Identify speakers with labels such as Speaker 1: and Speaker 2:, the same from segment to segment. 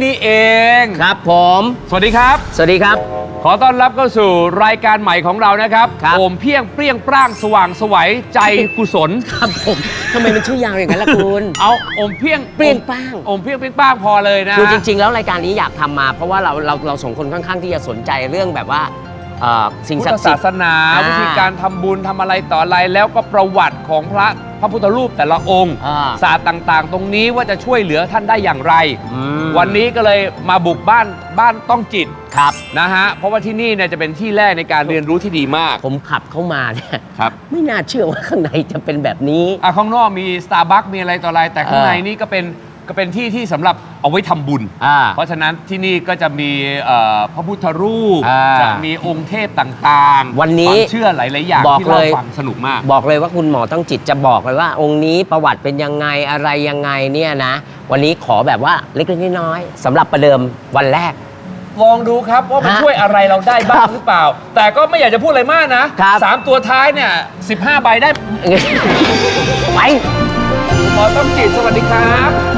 Speaker 1: นี่เอง
Speaker 2: ครับผม
Speaker 1: สวัสดีครับ
Speaker 2: สวัสดีครับ
Speaker 1: ขอต้อนรับเข้าสู่รายการใหม่ของเรานะครับ
Speaker 2: ครับ
Speaker 1: โอมเพียงเปรี้ยงปร้างสว่างไสวัยใจกุศล
Speaker 2: ครับผมทำไมมันชื่อยาวอย่างนั้นล่ะคุณ
Speaker 1: เอาโอมเพียง
Speaker 2: เปรี้ยงปร้าง
Speaker 1: โอมเพียงเปรี้ยงปร้างพอเลยนะ
Speaker 2: คือจริง ๆ แล้วรายการนี้อยากทำมาเพราะว่าเราสองคนค่อนข้างที่จะสนใจเรื่องแบบว่าสิ่ง
Speaker 1: พุท
Speaker 2: ศัก
Speaker 1: ธ
Speaker 2: ดิ์สิ
Speaker 1: ศา
Speaker 2: ทธิ์
Speaker 1: สนาวิธีการทำบุญทำอะไรต่ออะไรแล้วก็ประวัติของพระพุทธรูปแต่ละองค์ศาสตร์ต่างๆ ตรงนี้ว่าจะช่วยเหลือท่านได้อย่างไร วันนี้ก็เลยมาบุกบ้านต้องจิต
Speaker 2: ครับ
Speaker 1: นะฮะเพราะว่าที่นี่เนี่ยจะเป็นที่แรกในการเรียนรู้ที่ดีมาก
Speaker 2: ผมขับเข้ามาเนี่ย
Speaker 1: ครับ
Speaker 2: ไม่น่าเชื่อว่าข้างในจะเป็นแบบนี้
Speaker 1: ข้างนอกมี Starbucks มีอะไรต่ออะไรแต่ข้างในนี่ก็เป็นที่ที่สำหรับเอาไว้ทำบุญ เพราะฉะนั้นที่นี่ก็จะมีพระพุทธรูปจะมีองค์เทพต่างๆ
Speaker 2: วันนี้
Speaker 1: ความเชื่อหลายๆอย่าง
Speaker 2: บอก
Speaker 1: ที่เรา
Speaker 2: เลย
Speaker 1: ฟังสนุกมาก
Speaker 2: บอกเลยว่าคุณหมอต้องจิตจะบอกเลยว่า องค์นี้ประวัติเป็นยังไงอะไรยังไงเนี่ยนะ วันนี้ขอแบบว่าเล็กๆน้อยๆสำหรับประเดิมวันแรก
Speaker 1: ลองดูครับว่ามัน
Speaker 2: ฮะ
Speaker 1: ช่วยอะไรเราได้บ้า
Speaker 2: ครั
Speaker 1: ง
Speaker 2: บ
Speaker 1: หรือเปล่า แต่ก็ไม่อยากจะพูดอะไรมากนะครับ 3 ตัวท้ายเนี่ย15 ใบได้
Speaker 2: ไป
Speaker 1: หมอต้องจิตสวัสดีครับ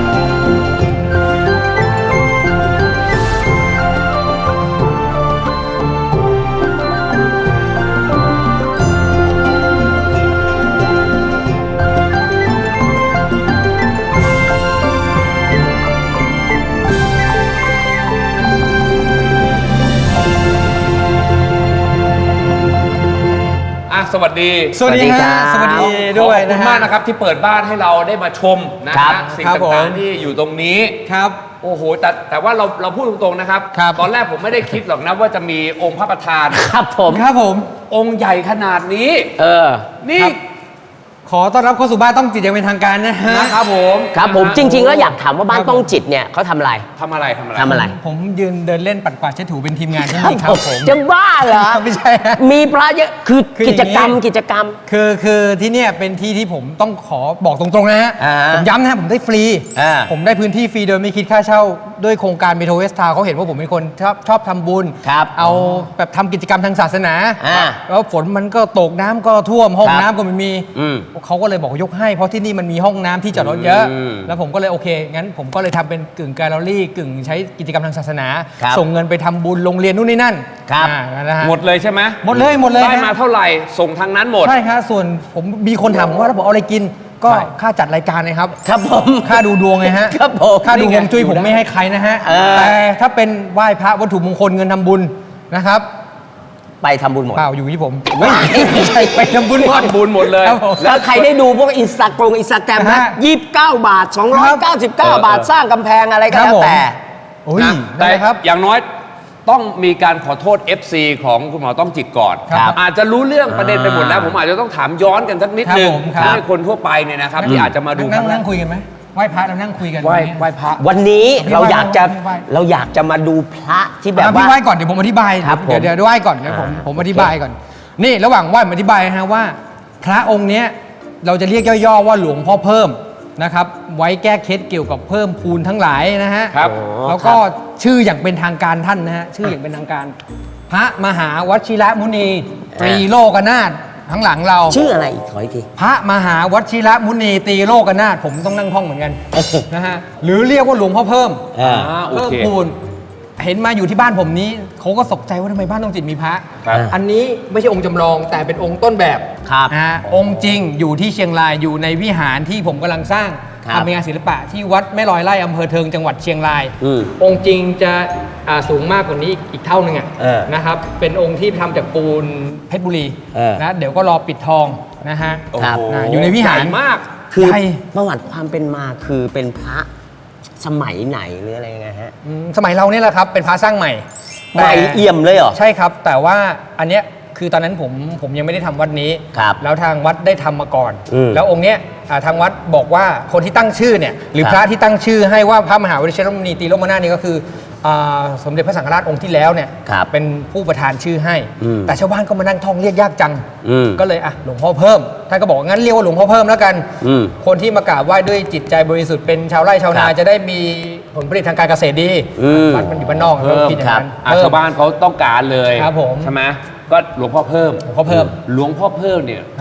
Speaker 1: สวัสดี
Speaker 3: สวัสดีครับสวัสดี
Speaker 1: ข
Speaker 3: ด้
Speaker 1: อ
Speaker 3: วย
Speaker 1: บคุณ
Speaker 3: นะ
Speaker 1: มาก
Speaker 3: ฮะ
Speaker 1: นะครับที่เปิดบ้านให้เราได้มาชมนะ
Speaker 2: ครั
Speaker 1: ฮะ
Speaker 2: บ
Speaker 1: สิ่ง
Speaker 3: ครับผม
Speaker 1: ต่างๆที่อยู่ตรงนี้
Speaker 3: ครับ
Speaker 1: โอ้โหแต่ว่าเราพูดตรงๆนะครับ
Speaker 3: ครับ
Speaker 1: ตอนแรกผมไม่ได้คิดหรอกนะว่าจะมีองค์พระประธาน
Speaker 2: ครับผม
Speaker 3: ครับผม
Speaker 1: องค์ใหญ่ขนาดนี้ นี่
Speaker 3: ครับ ขอต้อนรับเข้าสู่บ้านต้องจิตอย่างเป็นทางการนะฮะ
Speaker 1: นะครับผม
Speaker 2: ครับผม
Speaker 1: นะฮะ
Speaker 2: จริง ๆ แล้วอยากถามว่าบ้าน
Speaker 3: ครับ
Speaker 2: ต้องจิตเนี่ยเขาทำอะไร
Speaker 1: ทำอะไร
Speaker 2: ทำอะไร
Speaker 3: ผมยืนเดินเล่นปัดกวาดเช็ดถูเป็นทีมงานที่นี่ครับผม
Speaker 2: จะบ้าเหรอ
Speaker 3: ไม่ใช่ฮะ
Speaker 2: มีพระเยอะคือ
Speaker 3: คืออ
Speaker 2: กิ
Speaker 3: ย่าง
Speaker 2: จ
Speaker 3: นี้
Speaker 2: กรรม
Speaker 3: คือที่เนี่ยเป็นที่ที่ผมต้องขอบอกตรงๆนะฮะ
Speaker 2: อ่า
Speaker 3: ผมย้ำนะฮะผมได้ฟรี
Speaker 2: อ่า
Speaker 3: ผมได้พื้นที่ฟรีโดยไม่คิดค่าเช่าด้วยโครงการเมโทรเวสทาเขาเห็นว่าผมเป็นคนชอบทำบุญ
Speaker 2: ครับ
Speaker 3: เอาแบบทำกิจกรรมทางศาสนา
Speaker 2: อ่า
Speaker 3: แล้วฝนมันก็ตกน้ำก็ท่วมห้อง
Speaker 2: ครับ
Speaker 3: น้ำก็ไม่มี
Speaker 2: อืม
Speaker 3: เขาก็เลยบอกยกให้เพราะที่นี่มันมีห้องน้ำที่จอดรถเยอะ
Speaker 2: อืม
Speaker 3: แล้วผมก็เลยโอเคงั้นผมก็เลยทำเป็นกึ่งแกลเลอรี่กึ่งใช้กิจกรรมทางศาสนา
Speaker 2: ครับ
Speaker 3: ส่งเงินไปทำบุญโรงเรียนนู่นนี่นั่น
Speaker 2: ครับ
Speaker 3: นะฮะ
Speaker 1: หมดเลยใช่ไหม
Speaker 3: หมดเลย
Speaker 1: ได้มา
Speaker 3: ฮะ
Speaker 1: เท่าไหร่ส่งทางนั้นหมด
Speaker 3: ใช่ครับส่วนผมมีคนถามผมว่าแล้วผมเอาอะไรกิน ก็
Speaker 1: ใช่
Speaker 3: ค่าจัดรายการนะครับ
Speaker 2: ครับผม
Speaker 3: ค่าดูดวงไงฮะ
Speaker 2: ครับผม
Speaker 3: ค่าดู
Speaker 1: นี่
Speaker 3: ฮ
Speaker 1: ไง
Speaker 3: วงจุ้ยผม
Speaker 1: อยู่ได้
Speaker 3: ไม่ให้ใครนะฮะ แต่ถ้าเป็นไหว้พระวัตถุมงคลเงินทำบุญนะครับ
Speaker 2: ไปทำบุญหมด
Speaker 3: เปล่าอยู่ที่ผมไม่ใช่ไปทำบุญหมด
Speaker 1: ทำบุญหมดเลย
Speaker 3: ครับผม
Speaker 2: แล้วใครได้ดูพวกอินสตาแกรมนะ
Speaker 3: ฮะ
Speaker 2: 29 บาท 299 บาทสร้างกำแพงอะไรก็
Speaker 3: ครับ
Speaker 2: แล้ว
Speaker 3: ผม
Speaker 2: แต่
Speaker 3: โอ้ย
Speaker 1: นะ
Speaker 3: ได้
Speaker 1: แต่
Speaker 3: ครับ
Speaker 1: อย่างน้อยต้องมีการขอโทษ FC ของคุณหมอต้องจิตก่อน
Speaker 3: ครับ
Speaker 1: อาจจะรู้เรื่องประเด็นไปหมดแล้ว ผมอาจจะต้องถามย้อนกันสักนิดนึง
Speaker 3: ครับผมครับ
Speaker 1: เพื่อให้คนทั่วไปเนี่ยนะครับที่อาจจะมาดูครั้งแร
Speaker 3: นั่
Speaker 1: ก
Speaker 3: งคุยกันไหมไหว้พระเรานั่งคุยกัน
Speaker 1: ไหว้พระ
Speaker 2: วันนี้
Speaker 3: พี่
Speaker 2: เราอยากจะ
Speaker 3: ไหว้
Speaker 2: เราอยากจะมาดูพระที่แบบ
Speaker 3: พี่
Speaker 2: ว่า
Speaker 3: ไหว้ก่อนเดี๋ยวผมอธิบาย
Speaker 2: ครับผม
Speaker 3: เดี๋ยวไหว้ก่อนเดี๋ยวผมอธิบายก่อน นี่ระหว่างไหว้ผมอธิบายนะฮะว่า พระองค์เนี้ยเราจะเรียกย่อๆว่าหลวงพ่อเพิ่มนะครับ ไว้แก้เคล็ดเกี่ยวกับเพิ่มพูนทั้งหลายนะฮะ
Speaker 1: ครับ
Speaker 3: แล้วก็ชื่ออย่างเป็นทางการท่านนะฮะชื่ออย่างเป็นทางการ พระมหาวชิระมุนีตรีโลกนาถทั้งหลังเรา
Speaker 2: ชื่ออะไรอีกขออีกที
Speaker 3: พระมหาวชิระมุนีตรีโลกนาถผมต้องนั่งท่องเหมือนกันนะฮะหรือเรียกว่าหลวงพ่อเพิ่ม
Speaker 1: โอ
Speaker 3: เพิ่ม
Speaker 1: เค
Speaker 3: พูนเห็นมาอยู่ที่บ้านผมนี้เขาก็ตกใจว่าทำไมบ้านต้องจิตมีพระ
Speaker 1: ครับ
Speaker 3: อันนี้ไม่ใช่องค์จำลองแต่เป็นองค์ต้นแบบ
Speaker 2: ครับ
Speaker 3: องค์จริงอยู่ที่เชียงรายอยู่ในวิหารที่ผมกำลังสร้าง
Speaker 2: ครับ
Speaker 3: ทำเป็นงานศิลปะที่วัดแม่ลอยไร่อำเภอเทิงจังหวัดเชียงราย
Speaker 2: อืม
Speaker 3: องค์จริงจะสูงมากกว่านี้อีกเท่านึงอะ
Speaker 2: เออ
Speaker 3: นะครับเป็นองค์ที่ทำจากปูนเพชรบุรี
Speaker 2: เออ
Speaker 3: นะเดี๋ยวก็รอปิดทองนะฮะ
Speaker 2: ครับ
Speaker 3: อยู่ในวิหาร
Speaker 1: ใญ่มาก
Speaker 2: คือ
Speaker 3: ใหญ่
Speaker 2: ประวัติความเป็นมาคือเป็นพระสมัยไหนหรืออะไรยังไงฮะ
Speaker 3: สมัยเราเนี่ยแหละครับเป็นพระสร้างใหม่
Speaker 2: ใหม่เอี่ยมเลยเหรอ
Speaker 3: ใช่ครับ แต่ว่าอันเนี้ยคือตอนนั้นผมยังไม่ได้ทำวัดนี้
Speaker 2: ครับ
Speaker 3: แล้วทางวัดได้ทำมาก่อน
Speaker 2: อืม
Speaker 3: แล้วองค์เนี้ยทางวัดบอกว่าคนที่ตั้งชื่อเนี่ยหรือ
Speaker 2: ครับ
Speaker 3: พระที่ตั้งชื่อให้ว่าพระมหาวิเชษฐมุนีตีโลกนาถนี่ก็คือสมเด็จพระสังฆราชองค์ที่แล้วเนี่ย
Speaker 2: ครับ
Speaker 3: เป็นผู้ประทานชื่อให้
Speaker 2: อืม
Speaker 3: แต่ชาวบ้านก็มานั่งท่องเรียกยากจัง
Speaker 2: อืม
Speaker 3: ก็เลยหลวงพ่อเพิ่มท่านก็บอกว่างั้นเรียกว่าหลวงพ่อเพิ่มแล้วกัน
Speaker 2: อืม
Speaker 3: คนที่มากราบไหว้ด้วยจิตใจบริสุทธิ์เป็นชาวไร่ชาวนา
Speaker 2: ครับ
Speaker 3: จะได้มีผลผลิตทางการเกษตรดี
Speaker 2: อืม
Speaker 3: วัดมันอยู่บ้านนอก
Speaker 1: เพิ่ม
Speaker 3: คิดอย่างนั้น
Speaker 1: ชาวบ้านเขาต้องการเลย
Speaker 3: ครับผม
Speaker 1: ใช่ไหมก็หลวงพ่อเพิ่ม
Speaker 3: หลวงพ่อเพิ่ม
Speaker 1: หลวงพ่อเพิ่มเนี่ย
Speaker 3: ครับ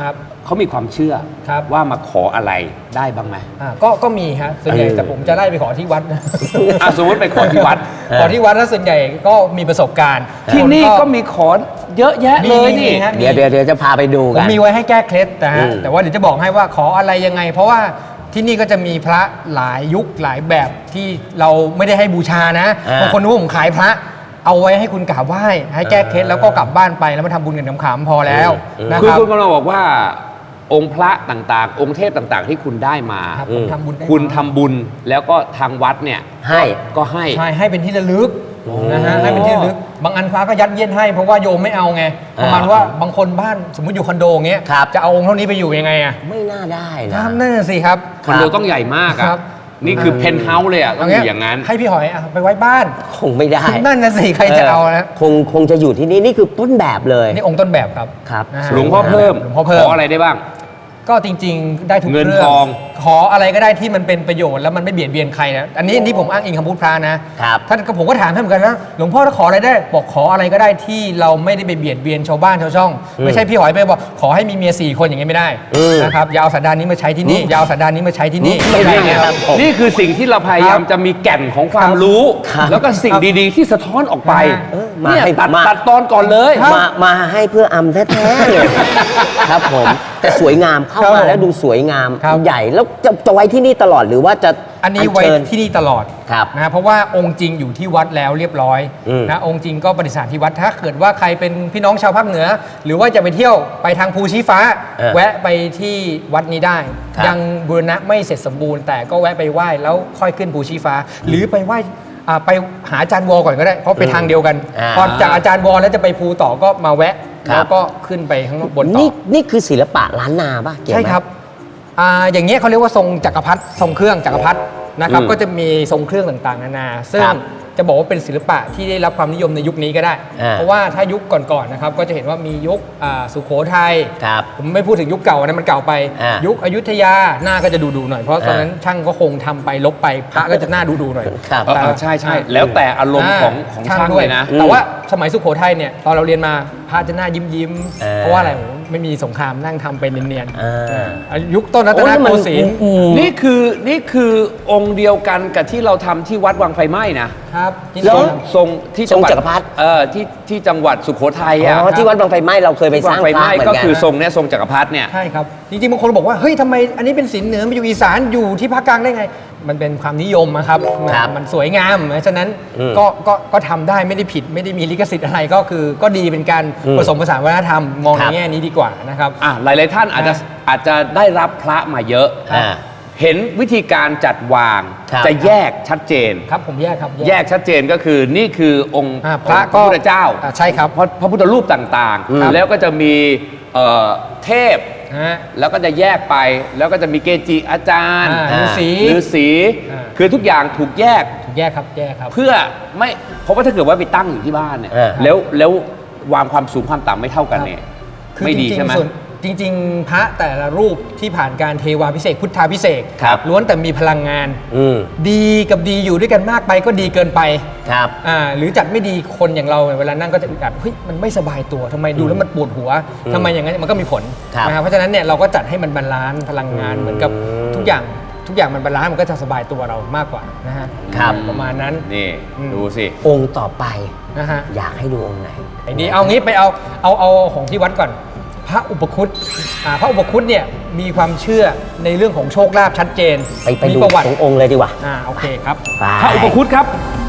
Speaker 1: เขามีความเชื่อ
Speaker 3: ครับ
Speaker 1: ว่ามาขออะไรได้บ้างไหม
Speaker 3: ก็มีฮะส่วนใหญ่แต่ผมจะไล่ไปขอที่วัดนะ
Speaker 1: สมมติไปขอที่วัด
Speaker 3: ขอที่วัดแล้วส่วนใหญ่ก็มีประสบการณ์
Speaker 1: ที่นี่ก็มีขอเยอะแยะเลยนี่
Speaker 3: มีฮะ
Speaker 2: เดี๋ยวจะพาไปดู
Speaker 3: ผม
Speaker 2: กัน
Speaker 3: มีไว้ให้แก้เคล็ดนะฮะ
Speaker 2: อืม
Speaker 3: แต่ว่าเดี๋ยวจะบอกให้ว่าขออะไรยังไง เพราะว่าที่นี่ก็จะมีพระหลายยุคหลายแบบที่เราไม่ได้ให้บูชานะบางคนนึกว่าผมขายพระเอาไว้ให้คุณกราบไหว้ให้แก้เคล็ดแล้วก็กลับบ้านไปแล้วมาทำบุญกันขำๆพอแล้วนะ
Speaker 1: คือ
Speaker 3: ครับ
Speaker 1: คุณกำลังบอกว่า องค์พระต่างๆ องค์เทพต่างๆ ที่คุณได้มา
Speaker 3: ครับผมทำบุญได้
Speaker 1: คุณทำบุญแล้วก็ทางวัดเนี่ย
Speaker 2: ให้
Speaker 1: ก็ให้
Speaker 3: ใช่ให้เป็นที่ระลึกนะฮะให้เป็นที่ระลึกบางอันพระก็ยัดเยียดให้เพราะว่าโยมไม่เอาไงประมาณว่าบางคนบ้านสมมติอยู่คอนโดอย่างเงี้ย
Speaker 2: ครับ
Speaker 3: จะเอาองค์เท่านี้ไปอยู่ยังไงอะ
Speaker 2: ไม่น่าได้
Speaker 3: ค
Speaker 2: นะ
Speaker 3: รับนั่นนะสิครับ
Speaker 1: คอนโดต้องใหญ่มาก
Speaker 3: ครั
Speaker 1: อะ
Speaker 3: บ
Speaker 1: นี่คือเพนท์เฮาส์เลยอะต้องอยู่อย่างนั้น
Speaker 3: ให้พี่หอยไปไว้บ้าน
Speaker 2: คงไม่ได้
Speaker 3: นั่นนะสิใครจะเอานะ
Speaker 2: คงจะอยู่ที่นี่นี่คือต้นแบบเลย
Speaker 3: นี่องค์ต้นแบบครับ
Speaker 2: ครับ
Speaker 3: นะฮะ
Speaker 1: หลวงพ่อเพิ่ม
Speaker 3: หลวงพ่อเพิ่ม
Speaker 1: ขออะไรได้บ้าง
Speaker 3: ก็จริงๆ ได้ทุก
Speaker 1: เงิน
Speaker 3: เรื่อง
Speaker 1: ทอง
Speaker 3: ขออะไรก็ได้ที่มันเป็นประโยชน์แล้วมันไม่เบียดเบียนใครนะอันนี้ผมอ้างอิงคำพูดพระนะครับ ท่านก็ผมก็ถามท่านเหมือนกันนะหลวงพ่อถ้าขออะไรได้บอกขออะไรก็ได้ที่เราไม่ได้ไปเบียดเบียนชาวบ้านชาวช่อง ไม่ใช่พี่หอยไปบอกขอให้มีเมีย4 คนอย่างนี้ไม่ได้นะครับอยาวสันดานนี้มาใช้ที่นี่อยาวสันดานนี้มาใช้ที่นี่
Speaker 2: ไม่ได้
Speaker 3: ใช่
Speaker 2: ครับผม
Speaker 1: นี่คือสิ่งที่เราพยายามจะมีแก่นของความรู้
Speaker 2: ครับ
Speaker 1: แล้วก็สิ่งดีๆ ที่สะท้อนออกไป
Speaker 2: มา
Speaker 1: เนี่ย
Speaker 2: ให้
Speaker 1: ตัดตอนก่อนเลย
Speaker 2: มาให้เพื่ออำแท้ๆเลยครับผมแต่สวยงามเข้า
Speaker 3: ครับ
Speaker 2: มา
Speaker 3: ผม
Speaker 2: แล้วดูสวยงาม
Speaker 3: ครับ
Speaker 2: ใหญ่แล้วจะไว้ที่นี่ตลอดหรือว่าจะ
Speaker 3: อันนี้ไว้
Speaker 2: เชิญ
Speaker 3: ที่นี่ตลอด
Speaker 2: ครับ
Speaker 3: นะเพราะว่าองค์จริงอยู่ที่วัดแล้วเรียบร้อย
Speaker 2: อืม
Speaker 3: นะองค์จริงก็ประดิษฐานที่วัดถ้าเกิดว่าใครเป็นพี่น้องชาวภาคเหนือ หรือว่าจะไปเที่ยวไปทางภูชี้ฟ้า แวะไปที่วัดนี้ได้
Speaker 2: ครับ
Speaker 3: ยังบูรณะไม่เสร็จสมบูรณ์ แต่ก็แวะไปไหว้แล้วค่อยขึ้นภูชี้ฟ้า หรือไปไหว้ไปหาอาจารย์วอก่อนก็ได้เพราะไปทางเดียวกันพอจากอาจารย์วอแล้วจะไปภูต่อก็มาแวะแล้วก็ขึ้นไปข้างบนต่อ
Speaker 2: นี่คือศิลปะล้านนาป่ะเกี่ยวไหม
Speaker 3: ใช่ครับอย่างเงี้ยเขาเรียกว่าทรงจักรพรรดิทรงเครื่องจักรพรรดินะครับ ก็จะมีทรงเครื่องต่างๆนานา ซึ่ง
Speaker 2: ครับ
Speaker 3: จะบอกว่าเป็นศิลปะที่ได้รับความนิยมในยุคนี้ก็ได้ เพราะว่าถ้ายุคก่อนๆนะครับ ก็จะเห็นว่ามียุคสุโขทัย
Speaker 2: ครับ
Speaker 3: ผมไม่พูดถึงยุคเก่านะมันเก่าไป ยุคอยุธยาหน้าก็จะดูๆหน่อย เพราะตอนนั้นช่างก็คงทำไปลบไปพระก็จะหน้าดูๆหน่อย
Speaker 2: ครับ
Speaker 1: ใช่แล้วแต่อารมณ์ของช่างเลยนะ
Speaker 3: แต่ว่าสมัยสุโขทัยเนี่ยตอนเราเรียนมาพระจะหน้ายิ้มๆเพราะว่าอะไรผมไม่มีสงครามนั่งทำเป็นเนียนๆยุคต้นรัตนโกสินทร์
Speaker 1: นี่คือองค์เดียวกันกับที่เราทำที่วัดวังไฟไหม้นะครับ
Speaker 3: แล้ว
Speaker 1: ทรงที่จังหวัด
Speaker 2: ทรงจักรพรรดิ
Speaker 1: ที่จังหวัดสุโขทัย
Speaker 2: อ๋
Speaker 1: อ่ะ
Speaker 2: อที่วัดบางไฟไหม้เราเคยไปส
Speaker 1: วั
Speaker 2: ร้าง
Speaker 1: ไฟ
Speaker 2: พ
Speaker 1: ไห
Speaker 2: ระ
Speaker 1: ม้
Speaker 2: เหมือน
Speaker 1: ก็
Speaker 2: กัน
Speaker 1: คือทรงเนี้ยทรงจักรพรรดิเนี่ย
Speaker 3: ใช่ครับ จริงๆบางคนบอกว่าเฮ้ยทำไมอันนี้เป็นศิลป์เหนือมาอยู่อีสานอยู่ที่ภาคกลางได้ไง มันเป็นความนิยมนะครับ
Speaker 2: ครับ
Speaker 3: มันสวยงามฉะนั้น
Speaker 2: อืม
Speaker 3: ก็ทำได้ไม่ได้ผิดไม่ได้มีลิขสิทธิ์อะไรก็คือก็ดีเป็นการ
Speaker 2: อืม
Speaker 3: ผสมผสานวัฒนธรรมมอง
Speaker 2: ค
Speaker 3: ใน
Speaker 2: รับ
Speaker 3: แง่นี้ดีกว่านะครับ
Speaker 1: หลายๆท่านอาจจะได้รับพระมาเยอะ
Speaker 2: อ่า
Speaker 1: เห็นวิธีการจัดวาง
Speaker 2: ครับ
Speaker 1: จะแยกชัดเจน
Speaker 3: ครับผมแยกครับ
Speaker 1: แยกชัดเจนก็คือนี่คือองค์
Speaker 3: พระ
Speaker 1: พระพุทธเจ้า
Speaker 3: ใช่ครับ
Speaker 1: พระพุทธรูปต่าง
Speaker 2: ครับ
Speaker 1: ๆ แล้วก็จะมีเทพ
Speaker 3: ฮะ
Speaker 1: แล้วก็จะแยกไปแล้วก็จะมีเกจิอาจารย์
Speaker 3: ฤาษี
Speaker 1: ฤาษี
Speaker 3: อ่า
Speaker 1: คือทุกอย่างถูกแยก
Speaker 3: แยกครับแยกครับ
Speaker 1: เพื่อไม่เพราะว่าถ้าเกิดว่าไปตั้งอยู่ที่บ้านเนี่ย
Speaker 2: เออ
Speaker 1: แล้ววางความสูงความต่ำไม่เท่ากันเนี่ย
Speaker 3: คือ
Speaker 1: ไม่ดี
Speaker 3: จริงๆ
Speaker 1: ใช่ไหม
Speaker 3: ส่วนจริง ๆ พระแต่ละรูปที่ผ่านการเทวาพิเศษกพุทธาพิเศษก
Speaker 2: ครับ
Speaker 3: ล้วนแต่มีพลังงาน
Speaker 2: อืม
Speaker 3: ดีกับดีอยู่ด้วยกันมากไปก็ดีเกินไป
Speaker 2: ครับ
Speaker 3: หรือจัดไม่ดีคนอย่างเราเวลานั่งก็จะอึดอัดเฮ้ยมันไม่สบายตัวทำไมดูแล้วมันปวดหัวทำไมอย่างนั้นมันก็มีผล
Speaker 2: ครับ
Speaker 3: นะครับเพราะฉะนั้นเนี่ยเราก็จัดให้มันบาลานซ์พลังงานเหมือนกับทุกอย่างมันบาลานซ์มันก็จะสบายตัวเรามากกว่านะฮะ
Speaker 2: ครับ
Speaker 3: ประมาณนั้น
Speaker 1: นี่
Speaker 3: อืม
Speaker 1: ดูสิ
Speaker 2: องค์ต่อไป
Speaker 3: นะฮะ
Speaker 2: อยากให้ดูองค์ไหน
Speaker 3: ไอ้นี่เอางี้ไปเอาของที่วัดก่อน พระอุปคุตพระอุปคุตเนี่ยมีความเชื่อในเรื่องของโชคลาภชัดเจน
Speaker 2: ไป
Speaker 3: มี
Speaker 2: ดู
Speaker 3: ประวัติ
Speaker 2: ตรงองค์เลยดีกว่า
Speaker 3: โอเคครับ
Speaker 2: ไป
Speaker 1: พระอุปคุตครับ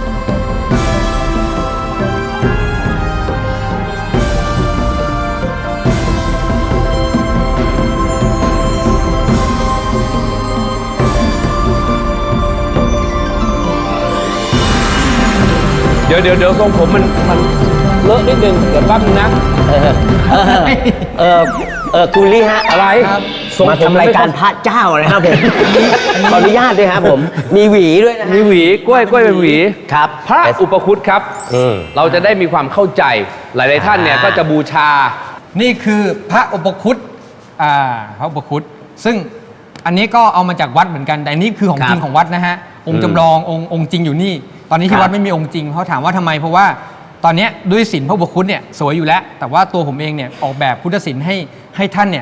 Speaker 1: เดี๋ยวทรงผมมันเลอะนิดนึงเดี๋ยวแป๊บนึงนะ
Speaker 2: คุณลี่ฮะ
Speaker 1: อะไร
Speaker 3: ครับ
Speaker 2: มาทำรายการพระเจ้านะครับผม ขออนุญาตด้วยครับผม มีหวีด้วยนะฮะ
Speaker 1: มีหวีกล้วยเป็นหวี
Speaker 2: ครับ
Speaker 1: พระอุปคุตครับ
Speaker 2: อืม
Speaker 1: เราจะได้มีความเข้าใจ หลายๆท่านเนี่ยก็จะบูชา
Speaker 3: นี่คือพระอุปคุตพระอุปคุตซึ่งอันนี้ก็เอามาจากวัดเหมือนกันแต่อันนี้คือของจริงของวัดนะฮะองค์จำลององค์จริงอยู่นี่ ตอนนี้ที่วัดไม่มีองค์จริงเขาถามว่าทำไมเพราะว่าตอนเนี้ยด้วยศิลป์พระอุปคุตเนี่ยสวยอยู่แล้ว แต่ว่าตัวผมเองเนี่ยออกแบบพุทธศิลป์ให้ท่านเนี่ย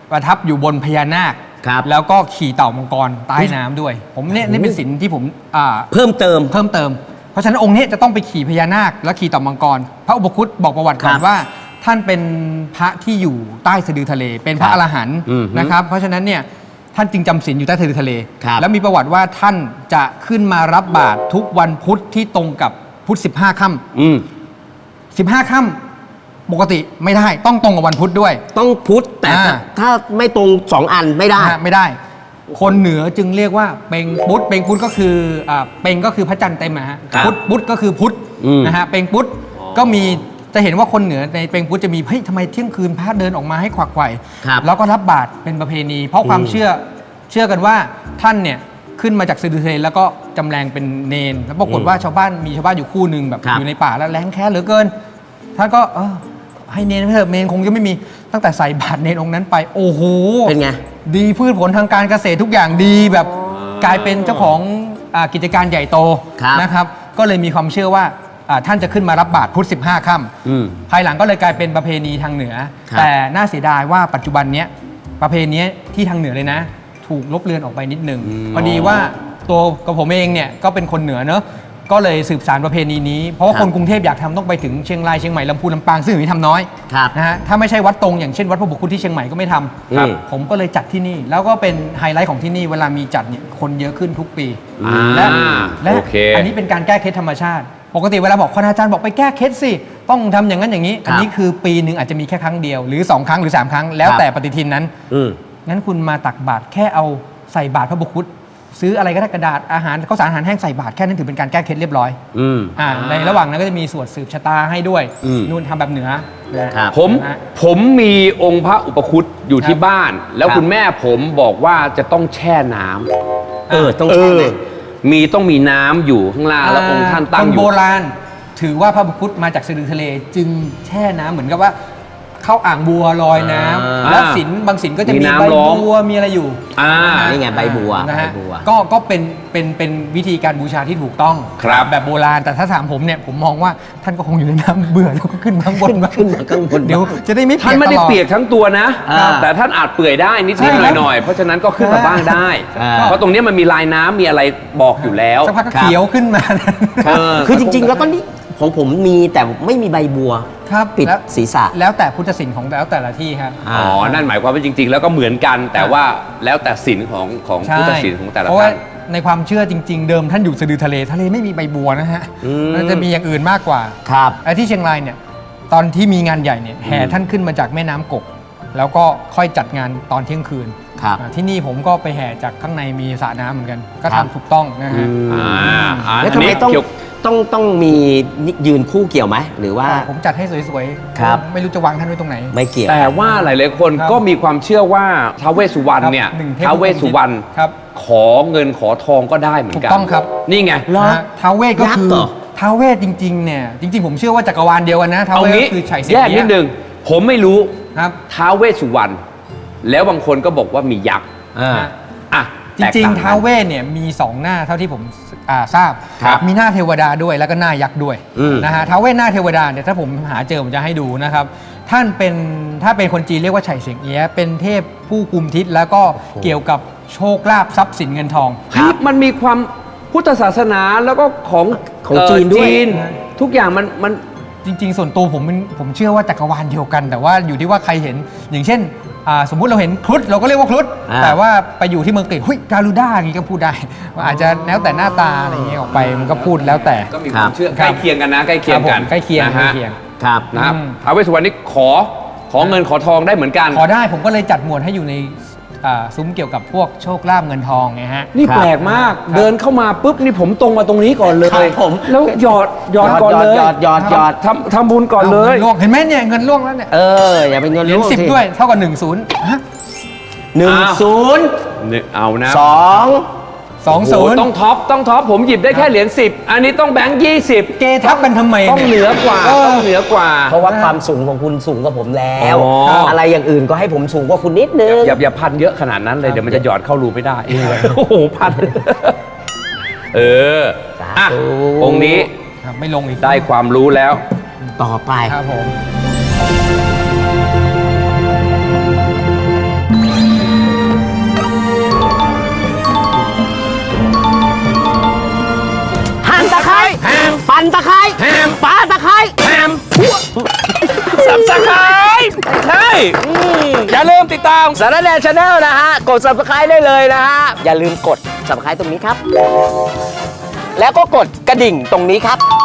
Speaker 3: ประทับอยู่บนพญานาค
Speaker 2: ครับ
Speaker 3: แล้วก็ขี่เต่ามังกรใต้น้ำด้วย ผมเนี่ยนี่เป็นศิลป์ที่ผม
Speaker 2: เพิ่มเติม
Speaker 3: เพราะฉะนั้นองค์นี้จะต้องไปขี่พญานาคและขี่เต่ามังกร พระอุปคุตบอกประวัติก่อน
Speaker 2: ครับ
Speaker 3: ว่าท่านเป็นพระที่อยู่ใต้สะดือทะเล เป็นพระ
Speaker 2: ครับ
Speaker 3: อรหันต์
Speaker 2: อืม
Speaker 3: นะครับ เพราะฉะนั้นเนี่ยท่านจึงจำศีลอยู่ใต้สะดือทะเล
Speaker 2: ครับ
Speaker 3: แล้วมีประวัติว่าท่านจะขึ้นมารับบาตรทุกวันพุธที่ตรงกับพุธ15 ค่ำ15 ค่ำปกติไม่ได้ต้องตรงกับวันพุธด้วย
Speaker 2: ต้องพุทธแต่
Speaker 3: อ่า
Speaker 2: ถ้าไม่ตรงสองอันไม่ได้
Speaker 3: ไม่ได้ คนเหนือจึงเรียกว่าเปงพุทธเปงพุทธก็คือเปงก็คือพระจันทร์เต็มนะฮะ
Speaker 2: ครับ
Speaker 3: พุทธก็คือพุทธ
Speaker 2: อืม
Speaker 3: นะฮะเปงพุทธก็มีจะเห็นว่าคนเหนือในเปงพุทธจะมีเฮ้ยทำไมเที่ยงคืนพระเดินออกมาให้ขวักไขว่
Speaker 2: ครับ
Speaker 3: แล้วก็รับบาตรเป็นประเพณี เพราะความเชื่อกันว่าท่านเนี่ยขึ้นมาจากสะดือทะเลแล้วก็จำแรงเป็นเนนแล้วปรากฏว่าชาวบ้านอยู่คู่หนึ่งแบบ
Speaker 2: ครับ
Speaker 3: อยู่ในป่าแล้วแรงแค้นเหลือเกินท่านก็ให้เนนไปเถอะเนนคงจะไม่มีตั้งแต่ใส่บาตรเนนองค์นั้นไปโอ้โห
Speaker 2: เป็นไง
Speaker 3: ดีพืชผลทางการเกษตรทุกอย่างดีแบบกลายเป็นเจ้าของกิจการใหญ่โต
Speaker 2: ครับ
Speaker 3: นะครับ ก็เลยมีความเชื่อว่าท่านจะขึ้นมารับบาตรพุธ15 ค่ำภายหลังก็เลยกลายเป็นประเพณีทางเหนือ
Speaker 2: ครับ
Speaker 3: แต่น่าเสียดายว่าปัจจุบันเนี้ยประเพณีที่ทางเหนือเลยนะ ถูกลบเลือนออกไปนิดนึงพอดีว่าตัวกับผมเองเนี่ยก็เป็นคนเหนือเนอะก็เลยสืบสานประเพณีนี้เพราะว่า
Speaker 2: ครับ
Speaker 3: คนกรุงเทพอยากทำต้องไปถึงเชียงรายเชียงใหม่ลำพูนลำปางซึ่งอย่างนี้ทำน้อย
Speaker 2: ครับ
Speaker 3: นะฮะถ้าไม่ใช่วัดตรงอย่างเช่นวัดพระบุคุที่เชียงใหม่ก็ไม่ทำ
Speaker 2: ครับ
Speaker 3: ผมก็เลยจัดที่นี่ แล้วก็เป็นไฮไลท์ของที่นี่เวลามีจัดเนี่ยคนเยอะขึ้นทุกปี และ
Speaker 1: โอเค
Speaker 3: อันนี้เป็นการแก้เคล็ดธรรมชาติ ปกติเวลาบอกคณาจารย์บอกไปแก้เคล็ดสิต้องทำอย่างนั้นอย่างนี้ อันนี้คือปีหนึ่งอาจจะมีแค่ครั้งเดียวหรือ 2 ครั้งหรือ 3 ครั้ง แล้วแต่ปฏิทินนั้น
Speaker 2: อืม
Speaker 3: งั้นคุณมาตักบาตรแค่เอาใส่บาตรพระบุคุซื้ออะไรก็ได้กระดาษอาหารข้าวสารอาหารแห้งใส่บาตรแค่นั้นถือเป็นการแก้เคล็ดเรียบร้อย
Speaker 2: อืม
Speaker 3: ในระหว่างนั้นก็จะมีสวดสืบชะตาให้ด้วย
Speaker 2: อืม
Speaker 3: นู่นทำแบบเหนือนะครับ
Speaker 1: ผมมีองค์พระอุปคุตอยู่ที่
Speaker 3: ครับ
Speaker 1: บ้าน แล้ว
Speaker 2: ครับ
Speaker 1: คุณแม่ผมบอกว่าจะต้องแช่น้ำ
Speaker 2: ต้องใช่ไหม
Speaker 1: ต้องมีน้ำอยู่ข้างล่างแล้วองค์ท่านตั้ง
Speaker 3: ค
Speaker 1: อน
Speaker 3: โบ
Speaker 1: ยู่
Speaker 3: ราณถือว่าพระบุคุตมาจากสะดือทะเล จึงแช่น้ำเหมือนกับว่า เข้าอ่างบัวลอยน้ำและศิลป์บางศิลป์ก็จะ
Speaker 1: มี
Speaker 3: มี
Speaker 1: น้ำ
Speaker 3: ใบ
Speaker 1: ล้อม
Speaker 3: บัวมีอะไรอยู่
Speaker 2: นี่ไงใบบัว
Speaker 3: นะฮะ
Speaker 2: ใบบัว
Speaker 3: ก็เป็นวิธีการบูชาที่ถูกต้อง
Speaker 1: ครับ
Speaker 3: แบบโบราณแต่ถ้าถามผมเนี่ยผมมองว่าท่านก็คงอยู่ในน้ำเบื่อแล้วก็ขึ้นมาข้างบนบ้าง
Speaker 2: ขึ้นมาข้างบน
Speaker 3: เดี๋ยวจะได้ไม่เปี
Speaker 1: ท่าย น
Speaker 3: ก
Speaker 1: ไม่
Speaker 3: ต
Speaker 1: ได้
Speaker 3: ลอด
Speaker 1: เปียกทั้งตัวนะ
Speaker 2: อ่า
Speaker 1: แต่ท่านอาจเปื่อยได้นิด
Speaker 3: ใช่
Speaker 1: ๆ
Speaker 3: ครับ
Speaker 1: หน่อยๆเพราะฉะนั้นก็ขึ้นมาบ้างได้
Speaker 2: อ่า
Speaker 1: เพราะตรงนี้มันมีลายน้ำมีอะไรบอกอยู่แล้ว
Speaker 3: สักพักก็
Speaker 2: ครับ
Speaker 3: เขียวขึ้นมา
Speaker 2: คือจริงๆ แล้วก็นี่ของผมมีแต่ไม่มีใบบัว
Speaker 3: ครับ
Speaker 2: ปิด
Speaker 3: แล้ว
Speaker 2: ศีรษะ
Speaker 3: แล้วแต่พุทธศิลป์ของแต่ละที่ครับ
Speaker 1: อ๋อ นั่นหมายความว่าจริง ๆ แล้วก็เหมือนกัน แต่ว่าแล้วแต่ศีลของพุทธศีลของแต่ละ
Speaker 3: เพราะว่า
Speaker 1: ท่าน
Speaker 3: ในความเชื่อจริง ๆ เดิมท่านอยู่สะดือทะเลไม่มีใบบัวนะฮะ
Speaker 2: อืม
Speaker 3: มันจะมีอย่างอื่นมากกว่า
Speaker 2: ครับ
Speaker 3: ไอ้ที่เชียงรายเนี่ยตอนที่มีงานใหญ่เนี่ยแห่ท่านขึ้นมาจากแม่น้ำกก แล้วก็ค่อยจัดงานตอนเที่ยงคืน
Speaker 2: ครับ
Speaker 3: ที่นี่ผมก็ไปแห่จากข้างในมีสระน้ำเหมือนกัน ก็
Speaker 2: ครับ
Speaker 3: ทำถูกต้องนะฮะ
Speaker 2: แล้วทำไม
Speaker 1: อันนี้เกี่ยว
Speaker 2: ต้องมียืนคู่เกี่ยวไหมหรือว่า
Speaker 3: ผมจัดให้สวยๆ
Speaker 2: ครับ
Speaker 3: ไม่รู้จะวางท่านไว้ตรงไหน
Speaker 2: ไม่เกี่ยว
Speaker 1: แต่ว่าหลายๆคน
Speaker 3: ครับ
Speaker 1: ก็มีความเชื่อว่าท้าวเวสสุวรรณเนี่ย
Speaker 3: ครับหนึ่งเทพ
Speaker 1: ท้าวเวสสุวรรณ
Speaker 3: ครับ
Speaker 1: ขอเงินขอทองก็ได้เหมือนกัน
Speaker 3: ถูกต้องครับ
Speaker 1: นี่ไง
Speaker 2: เหรอ
Speaker 3: นะฮะท้าวเวสก็
Speaker 2: ยักษ์
Speaker 3: คือ
Speaker 2: เหรอ
Speaker 3: ท้าวเวสจริงๆเนี่ยจริง ๆ ผมเชื่อว่าจักรวาลเดียวกันนะท้าว
Speaker 1: เอา
Speaker 3: เวส
Speaker 1: งี้
Speaker 3: ก็คือไฉสิง
Speaker 1: แยกนิดนึงผมไม่รู้
Speaker 3: ครับ
Speaker 1: ท้าวเวสสุวรรณแล้วบางคนก็บอกว่ามียักษ์
Speaker 2: อ่า
Speaker 1: อ่ะ
Speaker 3: จริง
Speaker 1: แตกต่
Speaker 3: ๆท้าวเวสเนี่ยมี 2 หน้าเท่าที่ผมทราบ
Speaker 1: ครับ
Speaker 3: มีหน้าเทวดาด้วยแล้วก็หน้ายักษ์ด้วย
Speaker 2: อืม
Speaker 3: นะฮะท้าวเวสหน้าเทวดาเนี่ยถ้าผมหาเจอผมจะให้ดูนะครับท่านเป็นถ้าเป็นคนจีนเรียกว่าไฉเสียงเอี้ยะเป็นเทพผู้กุมทิศแล้วก็เกี่ยวกับโชคลาภทรัพย์สินเงินทอง
Speaker 1: เฮ้ยมันมีความพุทธศาสนาแล้วก็ของ
Speaker 2: ของจีนด้วย
Speaker 1: ทุกอย่างมัน
Speaker 3: จริงๆ ส่วนตัวผมเชื่อว่าจักรวาลเดียวกัน แต่ว่าอยู่ที่ว่าใครเห็นอย่างเช่นสมมุติเราเห็นครุฑเราก็เรียกว่าครุฑ
Speaker 2: อ่า
Speaker 3: แต่ว่าไปอยู่ที่เมืองกรีกเฮ้ยกาลูด้าอย่างนี้ก็พูดได้ว่าอาจจะแล้วแต่หน้าตาอะไรอย่างเงี้ยออกไปมันก็พูดแล้วแต่
Speaker 1: ก็มีความเชื่อ
Speaker 3: ค
Speaker 1: ใก
Speaker 3: รับ
Speaker 1: ล้เคียงกันนะใกล้เคียงกัน
Speaker 3: ครับผมใกล้เคียง
Speaker 1: นะ
Speaker 3: ใกล้
Speaker 1: ฮะ
Speaker 3: เคียง
Speaker 2: ครับ
Speaker 1: นะครับ
Speaker 3: อืม
Speaker 1: ท้าวเวสสุวรรณนี่ขอเงินขอทองได้เหมือนกัน
Speaker 3: ขอได้ผมก็เลยจัดหมวดให้อยู่ในซุ้มเกี่ยวกับพวกโชคลาภเงินทองไงฮะ
Speaker 1: นี่
Speaker 2: ครับ
Speaker 1: แปลกมากเดินเข้ามาปุ๊บนี่ผมตรงมาตรงนี้ก่อนเลย
Speaker 2: ครับผม
Speaker 1: แล้วหยอดก่อนเลย
Speaker 2: หยอด
Speaker 1: ทำบุญก่อนเลย
Speaker 3: งิล่วงเห็นไหมเนี่ยเงินล่วงแล้วเนี่ย
Speaker 2: อย่าเป็นเงิน
Speaker 3: เหรียญ
Speaker 2: ร่วง
Speaker 3: 10 ด้วยเท่ากับ1 0ฮะ
Speaker 2: 10
Speaker 1: นี่เอานะ
Speaker 2: 2
Speaker 1: โอ้โห
Speaker 3: 20
Speaker 1: ต้องท็อปผมหยิบได้แค่เหรียญ10อันนี้ต้องแบงค์20
Speaker 3: เกทับกันทำไม
Speaker 1: ต้องเหนือกว่าต้องเหนือกว่า
Speaker 2: เพราะว่าความสูงของคุณสูงกว่าผมแล้ว
Speaker 1: อ๋อ
Speaker 2: อะไรอย่างอื่นก็ให้ผมสูงกว่าคุณนิดนึง
Speaker 1: อย่าพันเยอะขนาดนั้นเลยเดี๋ยวมันจะหยอดเข้ารูไม่ได้โอ้โหพันอ่ะ
Speaker 2: สาธุ
Speaker 1: องค์นี้
Speaker 3: ครับไม่ลงอีก
Speaker 1: ได้ความรู้แล้ว
Speaker 2: ต่อไป
Speaker 3: ครับผม
Speaker 1: อย่าลืมติดตาม
Speaker 2: สารแนชาแนลนะฮะ กด subscribe ได้เลยนะฮะ อย่าลืมกด subscribe ตรงนี้ครับ แล้วก็กดกระดิ่งตรงนี้ครับ